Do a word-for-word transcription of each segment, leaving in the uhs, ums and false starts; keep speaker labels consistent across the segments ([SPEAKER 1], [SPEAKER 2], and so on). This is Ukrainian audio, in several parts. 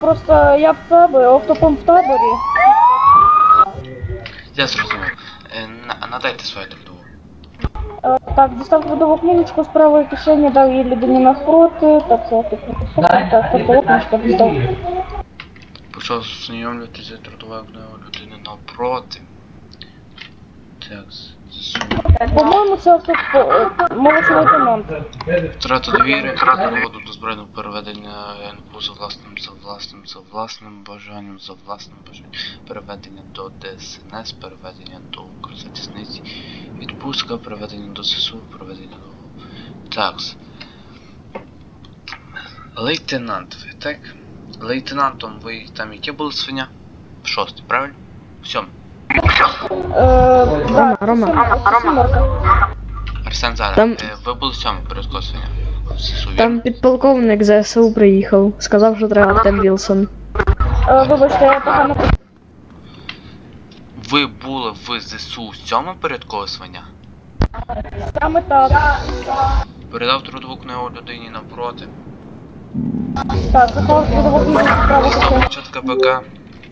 [SPEAKER 1] Просто я в таборі, оптопом в таборі.
[SPEAKER 2] Я зрозумів. Е, на- надайте свою трудову.
[SPEAKER 1] Е, Так, дістав трудову книжечку з правої кишені, дав її людині навпроти. Так, це так, так, трудову книжку дістав.
[SPEAKER 2] Почав знайомлюватися з трудовою книгою людини навпроти. Так, засунув.
[SPEAKER 1] По-моєму, це автоп... молодший лейтенант.
[SPEAKER 2] Втрата довіри, проводу до збройного переведення ен пе у за власним, за власним, за власним бажанням, за власним бажанням, переведення до де ес ен ес, переведення до Укрзалізниці, відпустка, переведення до ес ес у, переведення до... Такс. Лейтенант ви, так? Лейтенантом ви там яке були свиня? Шостий, правильно? В сьомому.
[SPEAKER 1] Е,
[SPEAKER 3] Рома, Рома.
[SPEAKER 1] Рома.
[SPEAKER 2] Арсен зараз,
[SPEAKER 3] Там-
[SPEAKER 2] е, ви були в сьомому перед свиня? В ес ес у,
[SPEAKER 3] Там
[SPEAKER 2] вірно?
[SPEAKER 3] підполковник з зе се у приїхав. Сказав, що треба Артем Вілсон.
[SPEAKER 1] Е, Вибачте, я погано...
[SPEAKER 2] Ви були в ес ес у в сьомому перед свиня?
[SPEAKER 1] Саме так.
[SPEAKER 2] Передав трудову книгу людині навпроти.
[SPEAKER 1] Так, заклав трудову книжечку з правої
[SPEAKER 2] Став
[SPEAKER 1] кишені.
[SPEAKER 2] початка БК.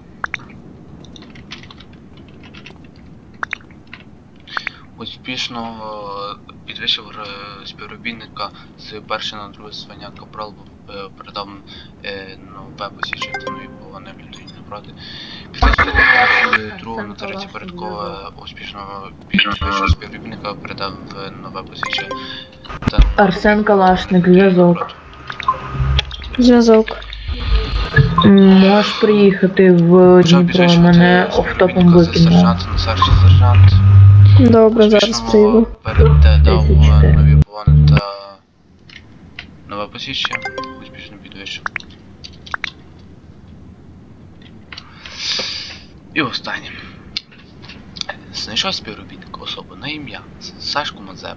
[SPEAKER 2] Успішно е, підвищив е, співробітника з першого на друге звання капрал, е, передав е, нове посвідчення та нові повинні людині навпроти. Після цього з другого на третє порядкове успішно підвищив співробітника, передав е, нове посвідчення та
[SPEAKER 4] Арсен Калашник, зв'язок.
[SPEAKER 3] Зв'язок.
[SPEAKER 4] Можеш приїхати в
[SPEAKER 2] почав
[SPEAKER 4] Дніпро,
[SPEAKER 2] підвищувати
[SPEAKER 4] мене офтопом
[SPEAKER 2] співробітника з
[SPEAKER 4] викинуло.
[SPEAKER 2] сержанта на старший сержант.
[SPEAKER 3] Добре, зараз
[SPEAKER 2] Успішно
[SPEAKER 3] прийду.
[SPEAKER 2] передав
[SPEAKER 4] Десять чотири.
[SPEAKER 2] нові повани та нове посвідчення. Успішно підвищив. І останнє. Знайшов співробітника особу на ім'я Сашку Мазепу.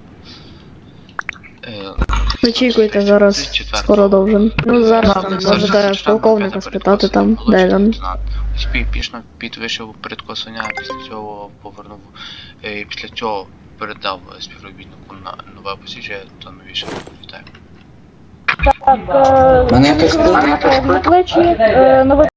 [SPEAKER 2] Е,
[SPEAKER 3] Очікуйте,
[SPEAKER 2] з
[SPEAKER 3] зараз
[SPEAKER 2] четвертого
[SPEAKER 3] скоро должен. Ну зараз там
[SPEAKER 2] Сержант
[SPEAKER 3] можете
[SPEAKER 2] сержант
[SPEAKER 3] полковника
[SPEAKER 2] Мазепа
[SPEAKER 3] спитати там,
[SPEAKER 2] молодший
[SPEAKER 3] де він.
[SPEAKER 2] лейтенант. Успішно підвищив передкосання, після цього повернув, е, після цього передав співробітнику на нове посвідчення та новіше. Вітаю.
[SPEAKER 1] Так, е,
[SPEAKER 5] Мене якось
[SPEAKER 1] на плечі, е, новий